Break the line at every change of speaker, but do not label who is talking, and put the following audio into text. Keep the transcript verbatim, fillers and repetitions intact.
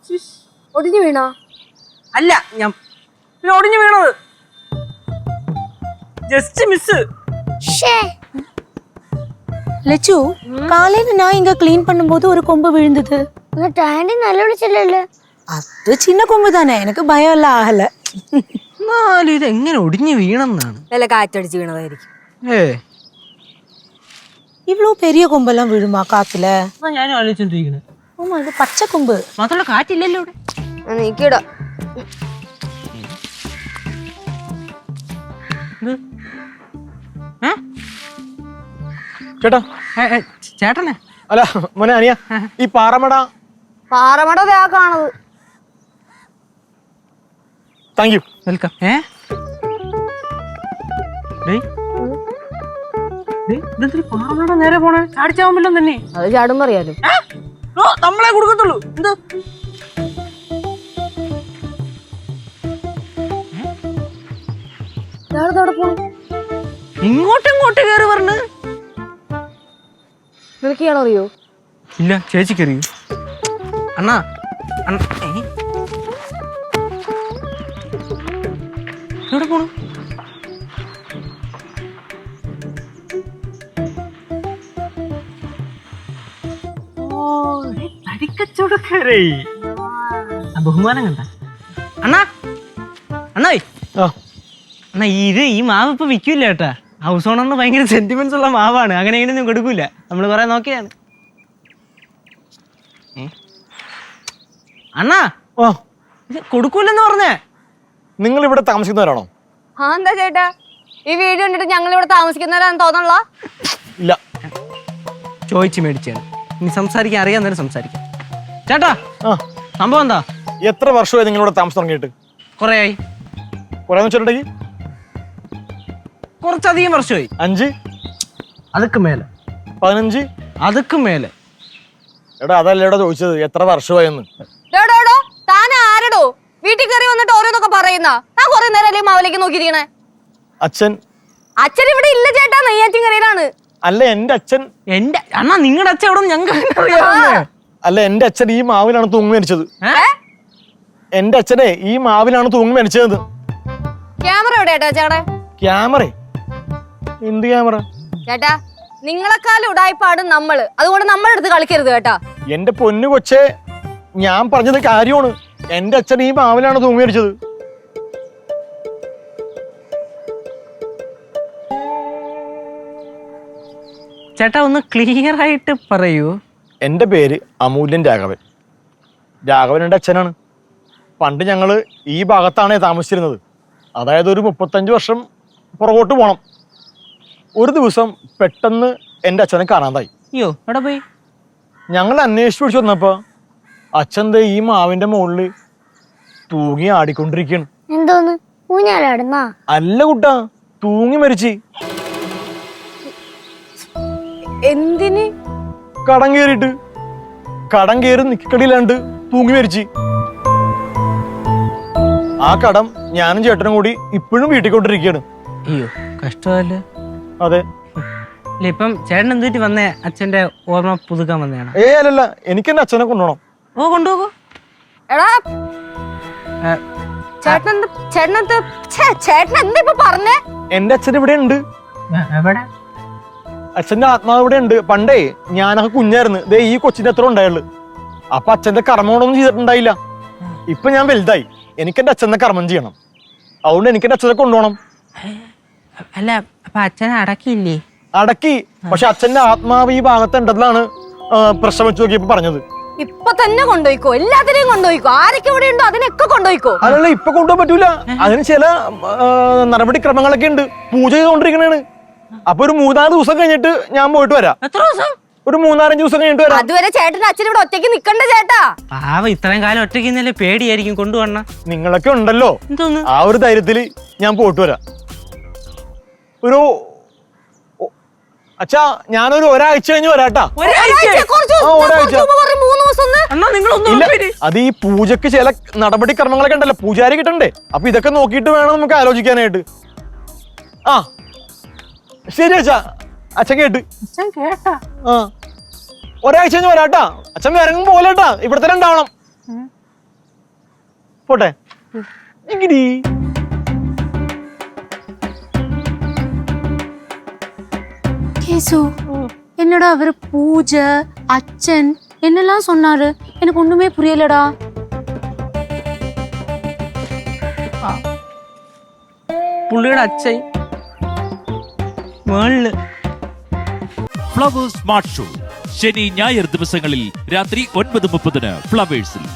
ഒടിഞ്ഞു വീണോ?
അല്ല, ഞാൻ ഒടിഞ്ഞു വീണത്. Just miss.
லட்சு, காலையில நான் இங்க க்ளீன் பண்ணும்போது ஒரு கொம்பு விழுந்தது.
ടാൻഡി നല്ല വിളിച്ചില്ലല്ലോ.
അത് ചിന്ന കൊമ്പ് തന്നെ, എനിക്ക് ഭയമല്ല ആഹല.
എന്നാലും ഇത് എങ്ങനെ ഒടിഞ്ഞു വീണെന്നാണ്.
നല്ല കാറ്റടിച്ച് വീണതായിരിക്കും.
ഏ
ഇവളോ പെരിയ കൊമ്പെല്ലാം വീഴുമാ കാത്തില്.
ഞാനും ആലോചിച്ചോണ്ടിരിക്കണേ.
ഓ, ഇത് പച്ച കൊമ്പ്
മാത്രമല്ല കാറ്റില്ലല്ലോ ഇവിടെ.
നീക്കിടാ.
ചേട്ടാ,
ചേട്ടനെ
അല്ല മോനെ അനിയ, ഈ പാറമട
പാറമട കാണത്.
Thank you.
വെൽക്കം. ഏ പാറമട നേരെ പോണേ ചാടിച്ചാവുമ്പല്ലോ തന്നെ.
അത് ചാടുമ്പോ അറിയാലോ.
നമ്മളെ കൊടുക്കത്തുള്ളൂ. എന്ത് ഇങ്ങോട്ടും ഇങ്ങോട്ട് കയറി പറഞ്ഞ്
നിനക്കാണോ അറിയോ?
ഇല്ല, ചേച്ചിക്കറിയോ? അണ്ണാ എവിടെ പോണു? തടിക്കച്ചവടക്കാരേ. ബഹുമാനം കണ്ട അണ്ണാ. അണ്ണായി അണ്ണാ, ഇത് ഈ മാവ് ഇപ്പൊ വിൽക്കൂല കേട്ടാ. ഹൗസ് ഓണറിന് ഭയങ്കര സെന്റിമെന്റ്സ് ഉള്ള മാവാണ്. അങ്ങനെ ഇങ്ങനെയൊന്നും കൊടുക്കൂല. നമ്മള് കൊറേ നോക്കിയാണ്. അണ്ണാ,
ഓ
ഇത് കൊടുക്കൂലെന്ന് പറഞ്ഞേ.
നിങ്ങൾ ഇവിടെ താമസിക്കുന്നവരാണോ?
ആ, എന്താ ചേട്ടാ ഈ വീഡിയോ കണ്ടിട്ട് ഞങ്ങൾ ഇവിടെ താമസിക്കുന്നവരാന്ന് തോന്നണ?
ഇല്ല,
ചോദിച്ചു മേടിച്ചാണ്. ഇനി സംസാരിക്കാൻ അറിയാന്നേരം സംസാരിക്കാം. ചേട്ടാ,
ആ
സംഭവം എന്താ?
എത്ര വർഷമായി നിങ്ങളിവിടെ താമസം തുടങ്ങിയിട്ട്?
കൊറേ ആയി.
കുറെ വെച്ചിട്ടുണ്ടെങ്കിൽ
കുറച്ചധികം വർഷമായി.
അഞ്ച്,
അതൊക്കെ മേലെ.
പതിനഞ്ച്,
അതൊക്കെ മേലെ.
എടാ അതല്ല എടാ ചോദിച്ചത്, എത്ര വർഷമായെന്ന്.
താൻ ആരടോ വീട്ടിൽ കയറി വന്നിട്ട് ഓരോന്നൊക്കെ പറയുന്ന? ഞാൻ കുറെ നേരം അല്ലേ മാവിലേക്ക് നോക്കിയിരിക്കണേ.
അച്ഛൻ
അച്ഛൻ ഇവിടെ ഇല്ല ചേട്ടാ, നെയ്യാറ്റിൻകരയിലാണ്.
അല്ല എന്റെ അച്ഛൻ.
എന്റെ അണ്ണാ, നിങ്ങളുടെ അച്ഛൻ എവിടെ ഞങ്ങൾക്ക് അറിയാവുന്നേ.
അല്ല എന്റെ അച്ഛൻ ഈ മാവിലാണ് തൂങ്ങി മരിച്ചത്. എന്റെ അച്ഛനെ ഈ മാവിലാണ് തൂങ്ങി മരിച്ചത്.
ക്യാമറ എവിടെ ചേട്ടാ? ചേട്ടാ
ക്യാമറ? എന്ത് ക്യാമറ?
ചേട്ടാ നിങ്ങളെക്കാളും ഉടായ്പാണ് നമ്മള്, അതുകൊണ്ട് നമ്മളെടുത്ത് കളിക്കരുത് കേട്ടാ.
എന്റെ പൊന്നു കൊച്ചെ, ഞാൻ പറഞ്ഞത് കാര്യമാണ്. എന്റെ അച്ഛൻ ഈ മാവിലാണ് തൂങ്ങി മരിച്ചത്.
ചേട്ടാ ഒന്ന് ക്ലിയർ ആയിട്ട് പറയൂ.
എൻ്റെ പേര് അമൂല്യൻ രാഘവൻ. രാഘവൻ എൻ്റെ അച്ഛനാണ്. പണ്ട് ഞങ്ങൾ ഈ ഭാഗത്താണ് താമസിച്ചിരുന്നത്. അതായത് ഒരു മുപ്പത്തഞ്ച് വർഷം പുറകോട്ട് പോകണം. ഒരു ദിവസം പെട്ടെന്ന് എൻ്റെ അച്ഛനെ കാണാതായി.
അയ്യോ, എവിടെ പോയി?
ഞങ്ങൾ അന്വേഷിച്ച് പിടിച്ചു വന്നപ്പോൾ അച്ഛൻ ദേ ഈ മാവിൻ്റെ മുകളിൽ തൂങ്ങി ആടിക്കൊണ്ടിരിക്കുകയാണ്.
എന്തോന്ന് ഊഞ്ഞാലാടുന്നാ?
അല്ല കുട്ടാ, തൂങ്ങി മരിച്ച്.
എന്തിന്?
കടം കയറിയിട്ട്. കടം കയറി നിക്കടിയിലാണ്ട് തൂങ്ങി മരിച്ച്. ആ കടം ഞാനും ചേട്ടനും കൂടി ഇപ്പോഴും വീട്ടിൽ കൊണ്ടിരിക്കുകയാണ്.
അയ്യോ, കഷ്ടമല്ലേ.
അതെ.
ഇല്ല, ഇപ്പം ചേട്ടൻ എന്തിട്ട് വന്നേ? അച്ഛന്റെ ഓർമ്മ പുതുക്കാൻ വന്നതാണ്?
ഏ അല്ലല്ല, എനിക്ക് എന്റെ അച്ഛനെ കൊണ്ടുപോകണം.
ഓ, കൊണ്ടുപോകൂ.
എടാ ചേട്ടൻ ചേട്ടൻ ചേട്ടൻ എന്താ ഇപ്പൊ പറഞ്ഞേ?
എന്റെ അച്ഛൻ ഇവിടെ ഉണ്ട്.
എവിടെ?
അച്ഛന്റെ ആത്മാവ് ഇവിടെ ഉണ്ട്. പണ്ടേ ഞാനൊക്കെ കുഞ്ഞായിരുന്നു. ദേ ഈ കൊച്ചിന്റെ അത്ര ഉണ്ടായുള്ളു. അപ്പൊ അച്ഛന്റെ കർമ്മങ്ങളൊന്നും ചെയ്തിട്ടുണ്ടായില്ല. ഇപ്പൊ ഞാൻ വലുതായി. എനിക്ക് എന്റെ അച്ഛന്റെ കർമ്മം ചെയ്യണം. അതുകൊണ്ട് എനിക്ക് എന്റെ അച്ഛനെ കൊണ്ടുപോകണം.
അല്ല, അപ്പൊ അച്ഛനെ അടക്കിയില്ലേ?
അടക്കി. പക്ഷെ അച്ഛന്റെ ആത്മാവ് ഈ ഭാഗത്തുണ്ടെന്നാണ് പ്രശ്നം വെച്ച് നോക്കിയപ്പോ പറഞ്ഞത്.
ഇപ്പൊ തന്നെ കൊണ്ടുപോയിക്കോ, എല്ലാത്തിനെയും കൊണ്ടുപോയിക്കോ. ആരൊക്കെ ഇവിടെ ഉണ്ടോ അതിനൊക്കെ കൊണ്ടുപോയിക്കോ.
അതല്ല, ഇപ്പൊ കൊണ്ടുപോകാൻ പറ്റൂല. അതിന് ചില നടപടിക്രമങ്ങളൊക്കെ ഉണ്ട്. പൂജ ചെയ്തോണ്ടിരിക്കണേണ്. അപ്പൊ ഒരു മൂന്നാല് ദിവസം കഴിഞ്ഞിട്ട് ഞാൻ പോയിട്ട് വരാം.
എത്ര ദിവസം?
ഒരു മൂന്നാലഞ്ച് ദിവസം കഴിഞ്ഞിട്ട് വരാം.
അതുവരെ ചേട്ടന്റെ അച്ഛൻ ഇവിടെ ഒറ്റയ്ക്ക് നിക്കണ്ട ചേട്ടാ.
പാവ, ഇത്രയും കാലം ഒറ്റയ്ക്ക് ഇന്നലെ പേടിയായിരിക്കും കൊണ്ടുവന്ന.
നിങ്ങളൊക്കെ ഉണ്ടല്ലോ,
എന്തോന്ന്? ആ
ഒരു ധൈര്യത്തില് ഞാൻ പോയിട്ട് വരാം. ഒരു അച്ഛാ, ഞാനൊരു ഒരാഴ്ച കഴിഞ്ഞ് വരാട്ടാ. അത് ഈ പൂജക്ക് ചില നടപടിക്രമങ്ങളൊക്കെ ഉണ്ടല്ലോ, പൂജാരി കിട്ടണ്ടേ. അപ്പൊ ഇതൊക്കെ നോക്കിയിട്ട് വേണം നമുക്ക് ആലോചിക്കാനായിട്ട്. ആ ശരി അച്ഛാ. അച്ഛൻ കേട്ട്.
അച്ഛൻ കേട്ടാ?
ആ, ഒരാഴ്ച കഴിഞ്ഞ് വരാട്ടാ. അച്ഛൻ ഇറങ്ങും പോലെട്ടാ, ഇവിടെ തന്നെ ഉണ്ടാവണം. പോട്ടെ ഇങ്ങിരി.
கேசு என்னடா அவரு பூஜை அச்சன் என்னெல்லாம் சொன்னாரு எனக்கு ஒண்ணுமே புரியலடா.
പുള്ളിയുടെ അച്ഛൻ മേളില്.
ഫ്ലവേഴ്സ് സ്മാർട്ട് ഷോ ശനി ഞായർ ദിവസങ്ങളിൽ രാത്രി ഒൻപത് മുപ്പതിന് ഫ്ലവേഴ്സിൽ.